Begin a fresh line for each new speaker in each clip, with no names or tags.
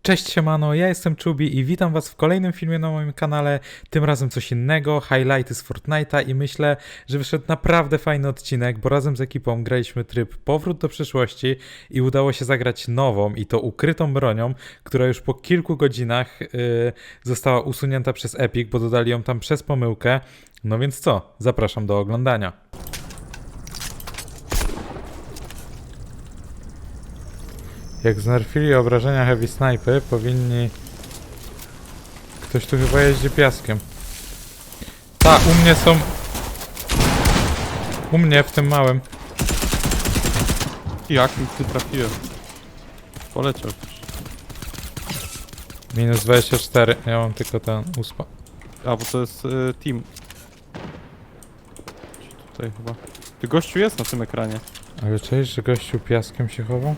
Cześć siemano, ja jestem Czubi i witam was w kolejnym filmie na moim kanale, tym razem coś innego, highlighty z Fortnite'a i myślę, że wyszedł naprawdę fajny odcinek, bo razem z ekipą graliśmy tryb Powrót do przyszłości i udało się zagrać nową i to ukrytą bronią, która już po kilku godzinach została usunięta przez Epic, bo dodali ją tam przez pomyłkę. No więc co, zapraszam do oglądania. Jak znerfili obrażenia Heavy Snipy, powinni... Ktoś tu chyba jeździ piaskiem. Ta, u mnie są... U mnie, w tym małym.
Jak mi ty trafiłem? Poleciał też.
Minus 24, ja mam tylko ten uspa.
A, bo to jest team. Tutaj chyba. Ty gościu jest na tym ekranie.
Ale cześć, że gościu piaskiem się chował?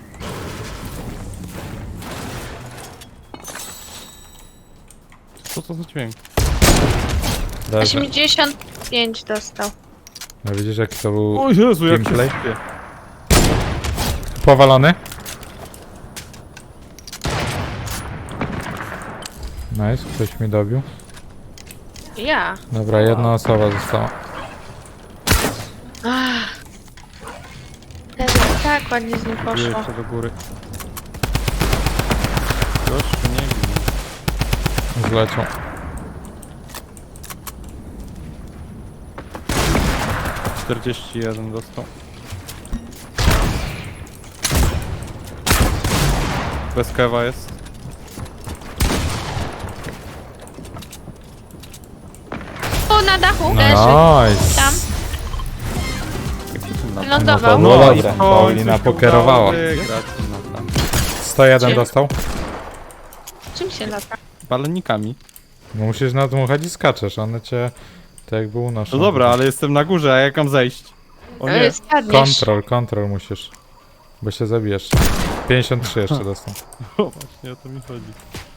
Co to za dźwięk?
Leży.
85 dostał.
No widzisz jaki to był
O Jezu, jak się
gameplay?
sypie.
Powalony. Nice, ktoś mi dobił.
Ja.
Dobra, jedna osoba została.
Teraz tak ładnie z nim poszło.
Jeszcze do góry. Gościu, nie wiem.
Zleciał.
- 41 dostał. Bez kewa jest.
O, na dachu leży.
Nice!
Tam.
Jak się tym nazywa?
Lądował.
No
No
dobra,
i w końcu
Paulina
się
pokerowała.
udało wygrać. No tam.
101
Czym?
dostał.
Czym się lata?
Balonikami.
No musisz nadmuchać i skaczesz, one cię tak jakby unoszą.
No dobra, ale jestem na górze, a jak mam zejść? O nie.
Spadniesz.
Kontrol musisz. Bo się zabijesz. 53 jeszcze dostał.
O, właśnie o to mi chodzi.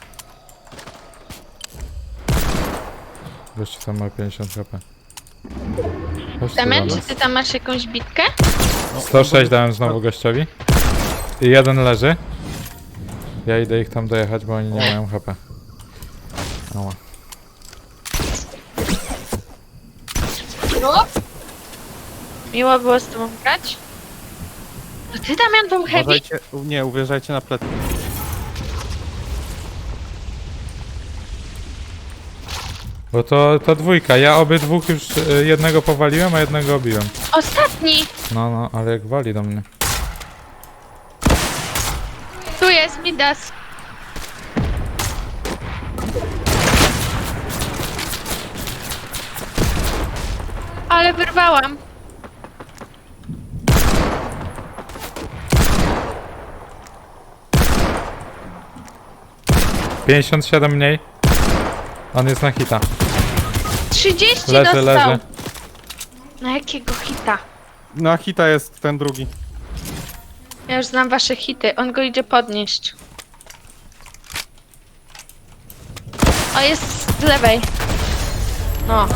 Gościu tam ma 50 HP. Chodź tu do
Damian, czy
nas.
ty tam masz jakąś bitkę?
106 dałem znowu gościowi. I jeden leży. Ja idę ich tam dojechać, bo oni nie mają HP. Ała.
Miło było z tobą grać. To ty, Damian, był heavy?
Uważajcie, nie, uwierzajcie na plecy.
Bo to dwójka. Ja obydwóch już jednego powaliłem, a jednego obiłem.
Ostatni!
No, ale jak wali do mnie.
Tu jest Midas. Ale wyrwałam.
Pięćdziesiąt 57 mniej. On jest na hita.
30
Leży,
dostał.
leży.
Na jakiego hita?
Na hita jest ten drugi.
Ja już znam wasze hity. On go idzie podnieść. O, jest z lewej. No.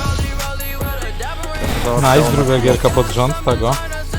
Nice, druga gierka pod rząd tego.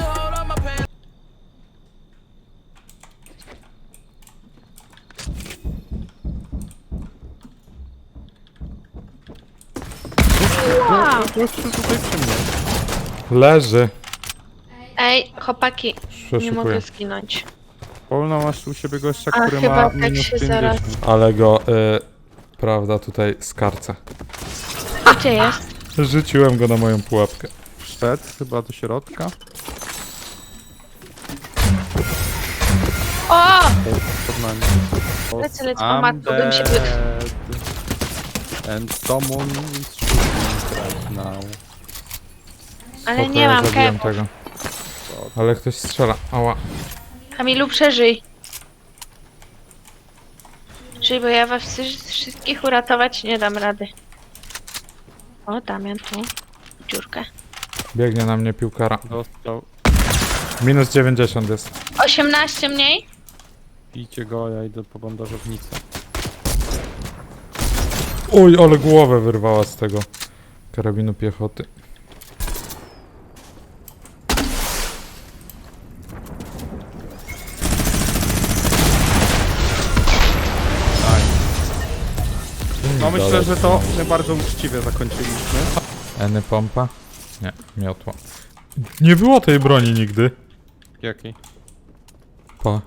Wow.
Gościu tutaj przy mnie.
Leży.
Ej, chłopaki, nie mogę
Przeszukuję.
zginąć.
Polna masz u siebie gościa,
A
który
chyba
ma
tak
minus
się
50.
zaraz...
Ale go, prawda, tutaj skarcę.
Gdzie jest?
Rzuciłem go na moją pułapkę.
Wszedł chyba do środka.
O!
Pod nami.
Lecę, o matko, bym się wy-
And someone is shooting right now.
Ale
Spoko,
nie
ja
mam
zabiłem
kewu.
tego. Ale ktoś strzela. Ała.
Kamilu, przeżyj. Żyj, bo ja was wszystkich uratować nie dam rady. O, Damian tu. Dziurkę.
Biegnie na mnie piłkara.
Dostał.
Minus 90 jest.
18 mniej?
Bijcie go, ja idę po bandażownicę.
Oj, ale głowę wyrwała z tego karabinu piechoty.
No myślę, że to my bardzo uczciwie zakończyliśmy.
Eny pompa? Nie, miotła. Nie było tej broni nigdy.
Jakiej?
Pa.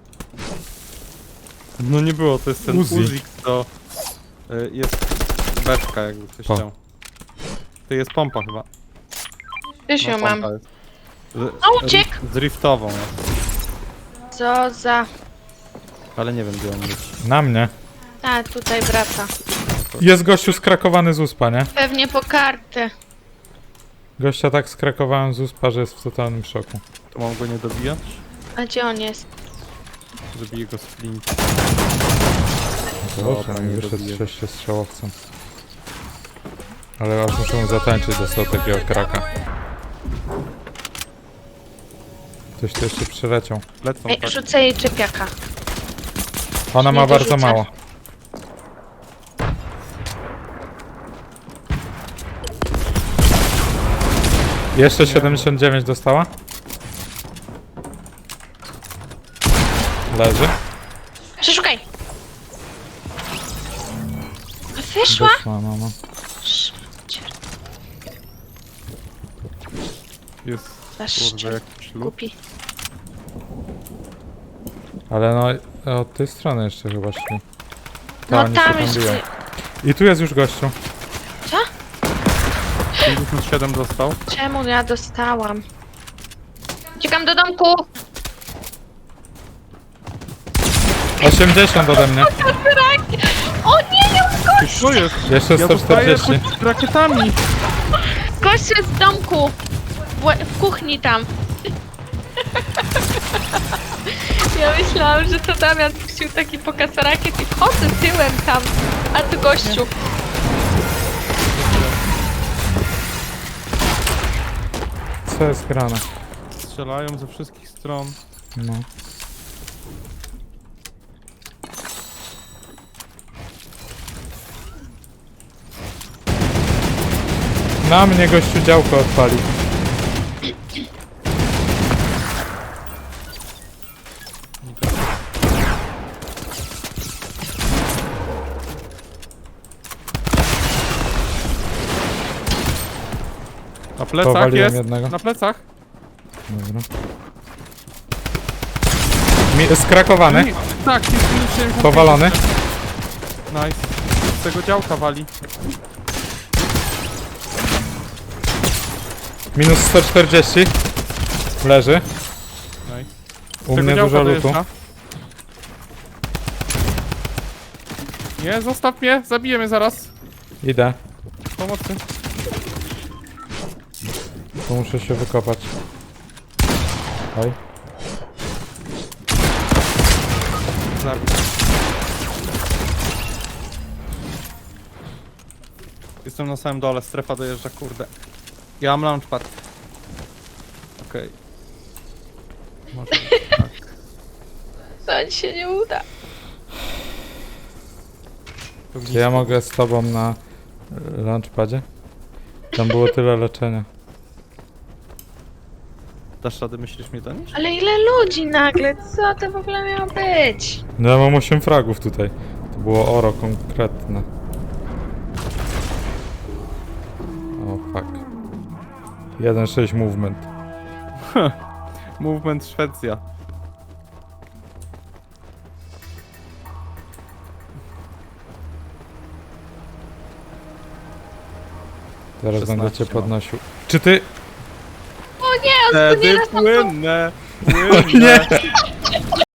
No nie było, to jest ten
Uzi.
Uzik, to jest beczka, jakby ktoś
Pa.
chciał. To jest pompa chyba.
Już ją mam.
pompa jest.
A, uciekł!
Z riftową jest.
Co za...
Ale nie wiem gdzie on jest.
Na mnie.
A, tutaj wraca.
Jest gościu skrakowany z uspa, nie?
Pewnie po kartę.
Gościa tak skrakowałem z uspa, że jest w totalnym szoku.
To mam go nie dobijać?
A gdzie on jest?
Zabiję go z flint.
Dobrze,
Dobra,
mi
nie
wyszedł
dobiję.
6-strzałowcem. Ale aż muszę mu zatańczyć, dostał takiego kraka. Ktoś tu jeszcze przyleciał.
Lecą
Ej,
tak.
rzucę jej czepiaka.
Ona ma
Nie
bardzo
dorzucę.
mało. Jeszcze 79 dostała? Leży?
Przeszukaj! Wyszła?
Wyszła, no.
Jest
Zaszczep.
kurde jakiś lód.
Kupi.
Ale no, od tej strony jeszcze chyba szli.
No
oni się
tam
biją.
jeszcze...
I tu jest już gościu.
57 dostał.
Czemu ja dostałam? Uciekam do domku!
80 ode mnie.
O nie, nie gość!
Co jest?
Jeszcze
Ja dostaję
140.
pod rakietami.
Gość jest w domku! W kuchni tam. Ja myślałam, że to Damian puścił taki pokaz rakiet i wchodzę tyłem tam. A tu gościu.
Co jest grane?
Strzelają ze wszystkich stron.
No. Na mnie gościu działko odpalił.
Na plecach
Powaliłem
jest.
jednego.
Na plecach.
Dobra. Skrakowany,
Tak, jest minus 75.
powalony.
Nice. Z tego działka wali.
Minus 140. Leży.
Nice. Z
U
tego
mnie
działka
dużo lutu.
dojeżdża. Nie, zostaw mnie, zabiję mnie zaraz.
Idę.
Pomocy.
Tu muszę się wykopać. Oj.
Zabiję. Jestem na samym dole, strefa dojeżdża, kurde. Ja mam launchpad. Okej. Może tak.
To ci się nie uda.
To
Czy ja mogę z tobą na launchpadzie? Tam było tyle leczenia.
Dasz radę, myślisz mi to niż?
Ale ile ludzi nagle? Co to w ogóle miało być?
No ja mam 8 fragów tutaj. To było oro konkretne. O fuck. 1.6 movement.
Movement Szwecja.
Teraz
16
będę cię
mam.
podnosił. Czy ty...
O nie, on tu nie
Wtedy
raz tam
płynne,
O
płynne.
nie!